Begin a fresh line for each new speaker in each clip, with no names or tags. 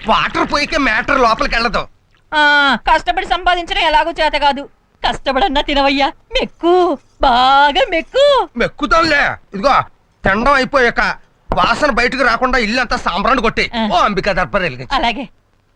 Water పోయికే matter లోపలికి వెళ్ళదు.
కష్టపడి సంపాదించడం ఎలాగో చేత కాదు. కష్టపడన్నా తినవయ్యా, మెక్కు, బాగా మెక్కు.
మెక్కుతాంలే. ఇదిగో తినడం అయిపోయాక వాసన బయటకు రాకుండా ఇల్లు అంతా సాంబ్రాన్ని కొట్టి ఓ అంబికా దర్బార్ వెలిగించు.
అలాగే.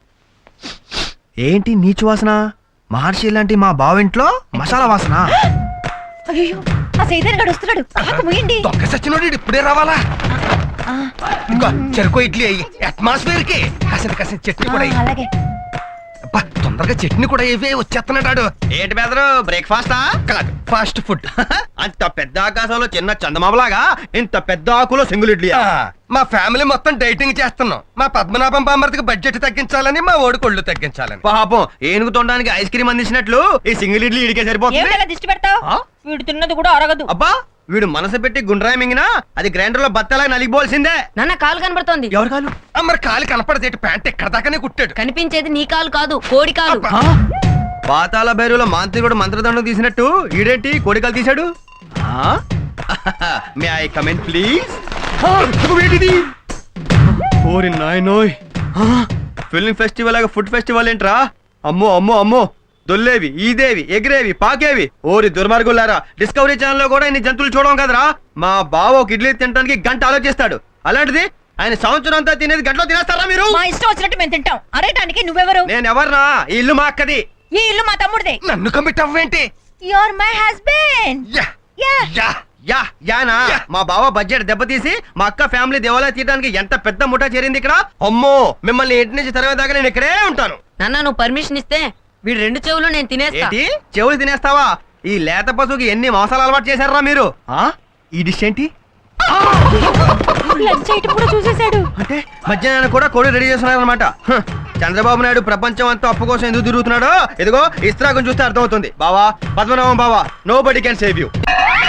ఏంటి నీచు వాసన? మహర్షి లాంటి మా బావింట్లో మసాలా వాసన.
అయ్యో, ఆ సైతాన్ గడు వస్తున్నాడు. ఆకు ముయ్యండి.
దొంగ సచ్చినోడు ఇప్పుడే రావాలా? ఇంకో చెరుకు ఇడ్లీ అయ్యి అట్మాస్ఫియర్ కి కాసిన చట్నీ కూడా అయ్యి.
అలాగే.
తొందరగా చట్నీ కూడా ఇవే వచ్చేస్తున్నాడు.
ఏంటి బెదరు, బ్రేక్ఫాస్టా?
కాదు, ఫాస్ట్ ఫుడ్.
అంత పెద్ద ఆకాశంలో చిన్న చందమామలాగా ఇంత పెద్ద ఆకులో సింగిల్ ఇడ్లీ.
మా ఫ్యామిలీ మొత్తం డైటింగ్ చేస్తున్నాం. మా పద్మనాభం బామ్మర్తికి బడ్జెట్ తగ్గించాలని, మా ఓడి కొళ్ళు తగ్గించాలని.
పాపం ఏనుగు తొండడానికి ఐస్ క్రీమ్ అందించినట్లు ఈ సింగిల్ ఇడ్లీ ఇడికే సరిపోతుంది.
ఏమిటలా దిష్టి పెడతావు? వీడు తిన్నది కూడా అరగదు.
అబ్బా, వీడు మనసు పెట్టి గుండ్రాయి మింగినా అది గ్రైండర్ లో బత్తలా నలిగిపోవాల్సిందే.
నాన్న కాలు కనబడుతోంది.
ఎవరు కాలు?
మరి కాలు కనపడదేటి? ప్యాంట్ ఎక్కడ దాకానే కుట్టాడు.
కనిపించేది నీ కాలు కాదు, కోడి కాలు.
పాతాల భైరులో మాంత్రికుడు మంత్రదండం తీసినట్టు ఈడేంటి కోడికలు తీశాడు? May I comment please? ఓరి నాయనోయ్, ఫిల్మ్ ఫెస్టివల్ లాగా ఫుడ్ ఫెస్టివల్ ఏంట్రా? అమ్మో అమ్మో అమ్మో, దొల్లేవి, ఈదేవి, ఎగిరేవి, పాకేవి. ఓరి దుర్మార్గులారా, డిస్కవరీ ఛానల్ లో కూడా ఇన్ని జంతువులు చూడడం కదరా. మా బావ ఒక ఇడ్లీ తినడానికి గంట ఆలోచిస్తాడు. అలాంటిది ఆయన సంవత్సరం అంతా తినేది గంటలో తినేస్తారా మీరు?
మా ఇష్టం వచ్చినట్టు మేము తింటాం. అరేటానికి నువ్వెవరు?
నేను ఎవర్నా? ఈ ఇల్లు మా అక్కది.
ఈ ఇల్లు మా తమ్ముడిదే.
నన్ను కమిట్ అవ్వేంటి?
Your my husband.
యానా మా బావ బడ్జెట్ దెబ్బతీసి మా అక్క ఫ్యామిలీ దేవాలయ తీయడానికి ఎంత పెద్ద ముఠా చేరింది ఇక్కడ. అమ్మో, మిమ్మల్ని ఇంటి నుంచి తరవేదాకా నేను ఇక్కడే ఉంటాను.
నాన్న నువ్వు పర్మిషన్ ఇస్తే వీడు 2 చెవులు నేను తినేస్తా.
ఏంటి చెవులు తినేస్తావా? ఈ లేత పశువుకి ఎన్ని మోసాలు అలవాటు చేశారా మీరు? ఈ డిష్ ఏంటి?
లంచ్ ఐటమ్ కూడా చూసేశాడు.
అంటే మధ్యాహ్నం కూడా కోడి రెడీ చేస్తున్నారనమాట. చంద్రబాబు నాయుడు ప్రపంచం అంతా అప్పు కోసం ఎందుకు తిరుగుతున్నాడో ఇదిగో ఇస్త్రాగం చూస్తే అర్థమవుతుంది. బావా, పద్మనాభం బావా, nobody can save you.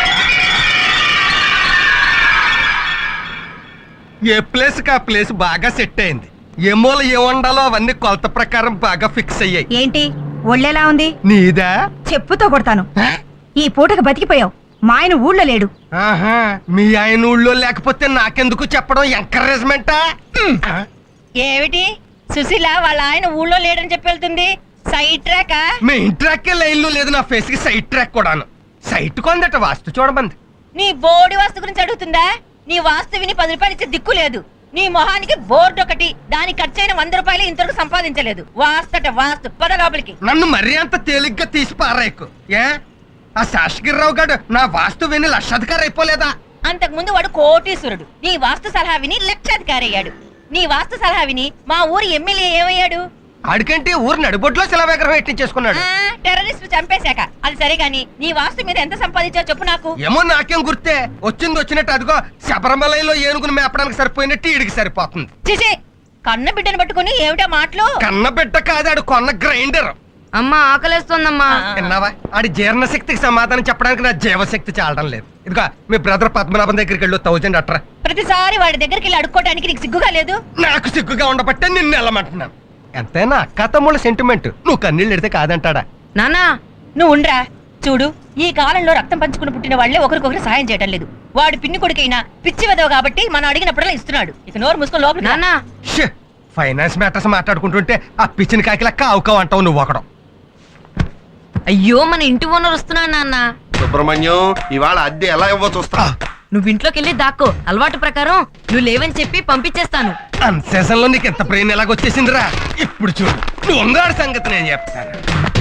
ఏ ప్లేస్ కా ప్లేస్ బాగా సెట్ అయింది. ఏ మూల ఏ వండాలో అవన్నీ కొలత ప్రకారం బాగా ఫిక్స్ అయ్యాయి.
ఏంటి ఒళ్ళెలా ఉంది?
నీదా?
చెప్పుతో కొడతాను. ఈ పూటకు బతికిపోయావు. మా ఆయన ఊళ్ళో లేడు.
ఆహా, మీ ఆయన ఊళ్ళో లేకపోతే నాకెందుకు చెప్పడం? ఎంకరేజ్మెంటా?
ఏమిటి సుశీల వాళ్ళ ఆయన ఊళ్ళో లేడని చెప్పి వెళ్తుంది? Side track?
మీ ఇంట్రాక్కే లైన్లో లేదు, నా ఫేస్ కి సైట్ ట్రాక్ కూడాను. సైట్ కొందట వాస్తు చూడమంది.
నీ బోర్డు వాస్తు గురించి అడుగుతుందా? నీ వాస్తు విని 10 రూపాయలు ఇచ్చే దిక్కు లేదు. నీ మొహానికి బోర్డు ఒకటి, దానికి ఖర్చైన 100 రూపాయలు ఇంతవరకు సంపాదించలేదు. వాస్తట వాస్తు పద లోపలికి.
నన్ను మరీ అంత తేలిగ్గా తీసి పారాయకు. ఏ ఆ శాసగిరిరావు గారు నా వాస్తు విని లక్షాధికారి అయిపోలేదా?
అంతకు ముందు వాడు కోటీశ్వరుడు. నీ వాస్తు సలహా విని లక్షాధికారి అయ్యాడు. నీ వాస్తు సలహా విని మా ఊరి ఎమ్మెల్యే ఏమయ్యాడు?
ఆడికంటే ఊరు నడిబొడ్లో శిలా విగ్రహం ఎట్టించేసుకున్నాడు.
టెర్రరిస్ట్ చంపేశాక. అది సరే గాని నీ వాస్తు మీద ఎంత సంపాదించావు చెప్పు నాకు.
ఏమో నాకేం గుర్తే. వచ్చింది వచ్చినట్టు అదిగో శబరిమలలో ఏనుగును మేపడానికి సరిపోయినట్టు ఈడికి సరిపోతుంది.
చిచి, కన్న బిడ్డను పట్టుకుని ఏమిటా మాటలు?
కన్న బిడ్డ కాదాడు, కొన్న గ్రైండర్.
అమ్మా ఆకలేస్తోందమ్మా.
విన్నావా? ఆడి జీర్ణశక్తికి సమాధానం చెప్పడానికి నా జీవశక్తి చాలడం లేదు. ఇదిగో మీ బ్రదర్ పద్మనాభం దగ్గరికి వెళ్ళు, 1000 అట్రా.
ప్రతిసారి వాడి దగ్గరికి వెళ్ళి అడుక్కోవడానికి నీకు సిగ్గుగా లేదు?
నాకు సిగ్గుగా ఉండబట్టే నిన్ను వెళ్ళమంటున్నాను. ఎంతైనా అక్క తమ్ముళ్ళ సెంటిమెంట్. నువ్వు కన్నీళ్ళు ఎడితే కాదంటాడా?
నానా
నువ్వు ఉండ్రా. చూడు, ఈ కాలంలో రక్తం పంచుకుని పుట్టిన వాళ్లే ఒకరికొకరు సాయం చేయటం లేదు. వాడు పిన్ని కొడుకైనా పిచ్చి వెదవ కాబట్టి మనం అడిగినప్పుడల్లా ఇస్తున్నాడు. ఇక నోరు మూసుకొని లోపల.
నానా
ఫైనాన్స్ మ్యాటర్స్ మాట్లాడుకుంటుంటే ఆ పిచ్చిన కాకిలా కావుకావు అంటావు నువ్వు ఒకడం.
అయ్యో మన ఇంటి ఓనర్ వస్తున్నాడు నాన్న.
సుబ్రహ్మణ్యం, ఇవాళ అద్దె ఎలా ఇవ్వ చూస్తా.
నువ్వు ఇంట్లోకి వెళ్ళి దాక్కో. అలవాటు ప్రకారం నువ్వు లేవని చెప్పి పంపించేస్తాను.
అన్సేషన్ లో నీకు ఎంత బ్రెయిన్ ఎలాగొచ్చేసిందిరా? ఇప్పుడు చూడు, నువ్వు ఉంగాడి సంగతి నేను చెప్తాను.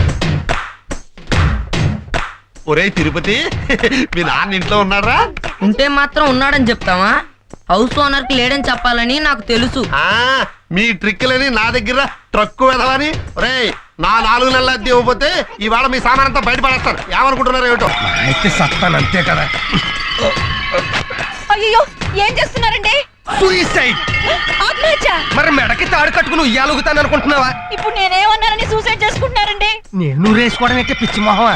ఒరే తిరుపతి, మీ నాన్న ఇంట్లో ఉన్నారా?
ఉంటే మాత్రం ఉన్నాడని చెప్తావా? హౌస్ ఓనర్ కి లేడని చెప్పాలని నాకు తెలుసు.
మీ ట్రిక్లని నా దగ్గర ట్రక్కు వెదవని. ఒరే, నా 4 నెలల అద్దె ఇవ్వకపోతే ఇవాళ మీ సామానంతా బయటపడేస్తాను. ఏమనుకుంటున్నారు ఏమిటో?
అయితే సత్తాను అంతే కదా.
అయ్యో, ఏం చేస్తున్నారండి?
సూసైడ్.
ఆత్మహత్య?
మరి మెడకి తాడు కట్టుకుని ఉయ్యాలుగుతాను అనుకుంటున్నావా?
ఇప్పుడు నేనేమన్నానని సూసైడ్ చేసుకుంటున్నారండి?
నేను రేసుకోవడం అయితే పిచ్చి మొహమా?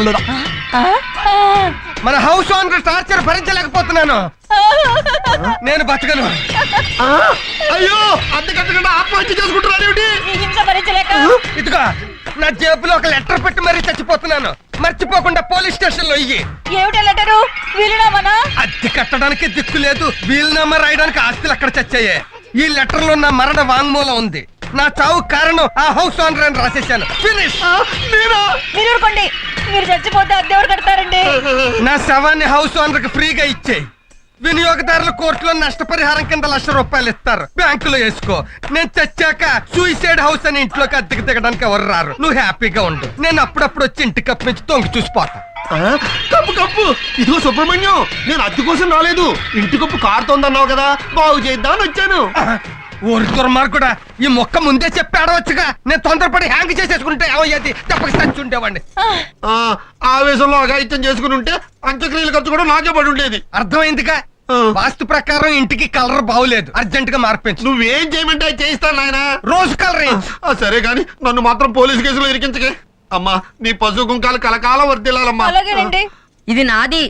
మన హౌస్ ఓనర్ టార్చర్ భరించలేకపోతున్నాను. నేను బతకను.
అయ్యో, అద్దె కట్టకుండా ఆత్మహత్య చేసుకుంటున్నారు ఏమిటి?
ఈ హింస భరించలేక
ఇదిగో నా జేబులో ఒక లెటర్ పెట్టి మరీ చచ్చిపోతున్నాను. మర్చిపోకుండా పోలీస్ స్టేషన్ లో ఇయ్యి.
ఏమిటా లెటరు? వీలునామానా?
అద్దె కట్టడానికి దిక్కు లేదు, వీలునామా రాయడానికి ఆస్తులు అక్కడ చచ్చాయే. ఈ లెటర్ లో నా మరణ వాంగ్మూలం ఉంది. నా చావు కారణం ఆ హౌస్ ఓనర్ అని రాసేసాను. ఫినిష్.
మీరు ఊరుకోండి. మీరు చచ్చిపోతే అద్దెవరు కడతారండి?
నా శవాన్ని హౌస్ ఓనర్ కి ఫ్రీగా ఇచ్చేయి. వినియోగదారుల కోర్టులో నష్టపరిహారం కింద ₹1,00,000 ఇస్తారు. బ్యాంకులో వేసుకో. నేను చచ్చాక సూసైడ్ హౌస్ అని ఇంట్లోకి అద్దెకి దిగడానికి ఎవరు రారు. నువ్వు హ్యాపీగా ఉండు. నేను అప్పుడప్పుడు వచ్చి ఇంటి కప్పు నుంచి తొంగి చూసిపోతా.
కప్పు కప్పు ఇదిగో సుబ్రహ్మణ్యం, నేను అద్దె కోసం రాలేదు. ఇంటి కప్పు కారుతోందన్నావు కదా, బాగు చేద్దామని వచ్చాను.
ఊరి దుర్మార్గుడా, ఈ మొక్క ముందే చెప్పి ఆడవచ్చుగా. నేను తొందరపడి హ్యాంగ్ చేసేసుకుంటే ఏమయ్యేది? తప్పక చచ్చి ఉండేవాడిని.
ఆవేశంలో అఘాయిత్యం చేసుకుని ఉంటే అంత్యక్రియల ఖర్చు కూడా నాకే పడి ఉండేది.
అర్థమైందిగా. వాస్తు ప్రకారం ఇంటికి కలర్ బాగులేదు, అర్జెంట్ గా మార్పించు.
నువ్వేం చేయమంటే అది చేయిస్తాను నాయనా.
రోజు కలర్ వేయించు.
సరే గాని నన్ను మాత్రం పోలీసు కేసులో ఇరికించకే. అమ్మా, నీ పశు కుంకాలు కలకాలం వర్దిల్లాలమ్మా.
అలాగేనండి.
ఇది నాది.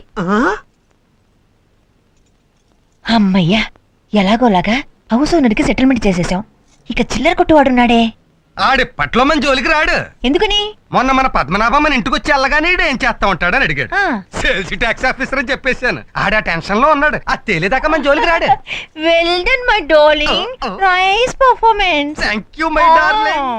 అమ్మయ్యా, ఎలాగోలాగా హౌస్ ఓనర్కి సెటిల్మెంట్ చేసేసాం. ఇక చిల్లర కొట్టువాడున్నాడే,
ఆడిప్పట్లో మన జోలికి రాడు.
ఎందుకని?
మొన్న మన పద్మనాభం మన ఇంటికి వచ్చి వెళ్ళగానే ఈడు ఏం చేస్తా ఉంటాడని అడిగాడు.
ఆ.
సేల్స్ ట్యాక్స్ ఆఫీసర్ అని చెప్పేశాను. ఆడ టెన్షన్ లో ఉన్నాడు. అది తేలేదాకా మన జోలికి రాడు.
Well done my darling. Nice performance.
Thank you my darling.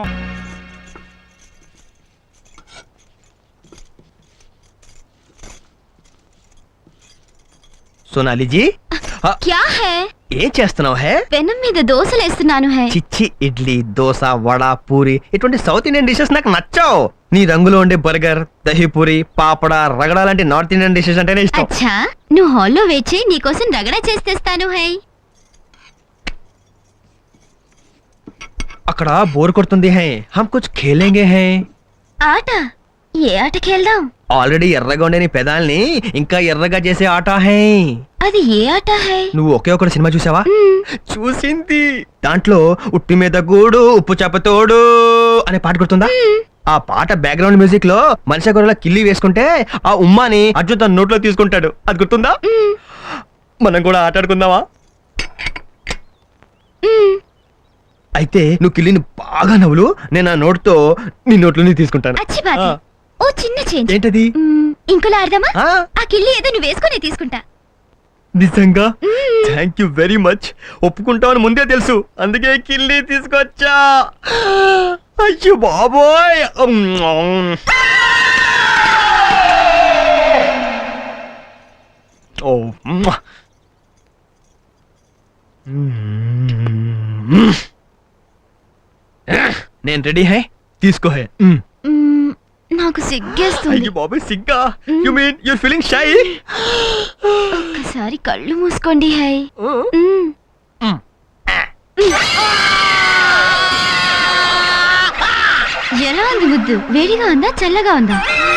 Sonali ji,
क्या है?
ఏం చేస్తున్నావు హే?
పెనం మీద దోశలేస్తున్నాను హై.
చిచ్చి, ఇడ్లీ, దోశ, వడ, పూరి ఇటువంటి సౌత్ ఇండియన్ డిషెస్ నాకు నచ్చావు. నీ రంగులో ఉండే బర్గర్, దహీపూరి, పాపడ, రగడ లాంటి నార్త్ ఇండియన్ డిషెస్ అంటేనే ఇష్టం.
అచ్చా, నువ్వు హాల్లో వేచి నీకోసం రగడ చేస్తేస్తాను హై.
అక్కడ బోర్ కొడుతుంది హై, హమ్ కుచ్ ఖేలేంగే హై.
ఆట? ఏ ఆట ఖేల్దాం?
ఆల్రెడీ ఎర్రగా ఉండే నీ పెదాల్ని ఇంకా ఎర్రగా చేసే ఆట హై.
అది ఏ ఆట హై?
నువ్వు ఒకే ఒక సినిమా చూసావా? చూసింది. దాంట్లో ఉట్టి మీద గూడు ఉప్పు చేపతోడు అనే పాట గుర్తుందా? ఆ పాట బ్యాక్గ్రౌండ్ మ్యూజిక్ లో మనిషి గొర్రెల కిల్లి వేసుకుంటే ఆ ఉమ్మాని అర్జున్ తన నోట్లో తీసుకుంటాడు. అది గుర్తుందా? మనం కూడా ఆట ఆడుకుందామా? అయితే నువ్వు కిల్లిని బాగా నవ్వులు, నేను ఆ నోట్తో నీ నోట్లోని తీసుకుంటాను.
అచ్చి బాధ. ఓ చిన్న చేంజ్.
ఏంటది?
ఇంకోలా ఆడదామా?
ఆ,
ఆ కిల్లి ఏదో నువ్వు వేసుకుని తీసుకుంటా.
నిజంగా? Thank you very much. ఒప్పుకుంటావని ముందే తెలుసు, అందుకే కిల్లి తీసుకొచ్చా. అయ్యో బాబోయ్. ఓ నేను రెడీ హై, తీసుకో హై.
నాకు సిగ్గేస్తుంది.
అయ్యో బాబోయ్, సిగ్గా? You mean your feeling shy?
ఒక్కసారి కళ్ళు మూసుకోండి హై. ఎలా ఉంది ముద్దు? వేడిగా ఉందా చల్లగా ఉందా?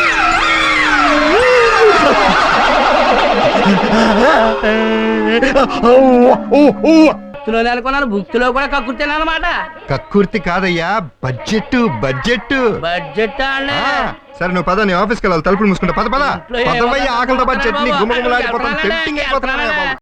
నెలకొన్నాను, భుక్తిలో కూడా కక్కుర్తానమాట.
కక్కుర్తి కాదయ్యా, బడ్జెట్ బడ్జెట్
బడ్జెట్
సరే నువ్వు పద, నీ ఆఫీస్కి వెళ్ళాలి. తలుపులు మూసుకుంటా. పద పద. పదవయ్య, ఆకలితో పాటు చట్నీ గుమ్మగుమ్మలాడిపోతాం. టెంప్టింగ్ అయిపోతున్నాయా బాబు.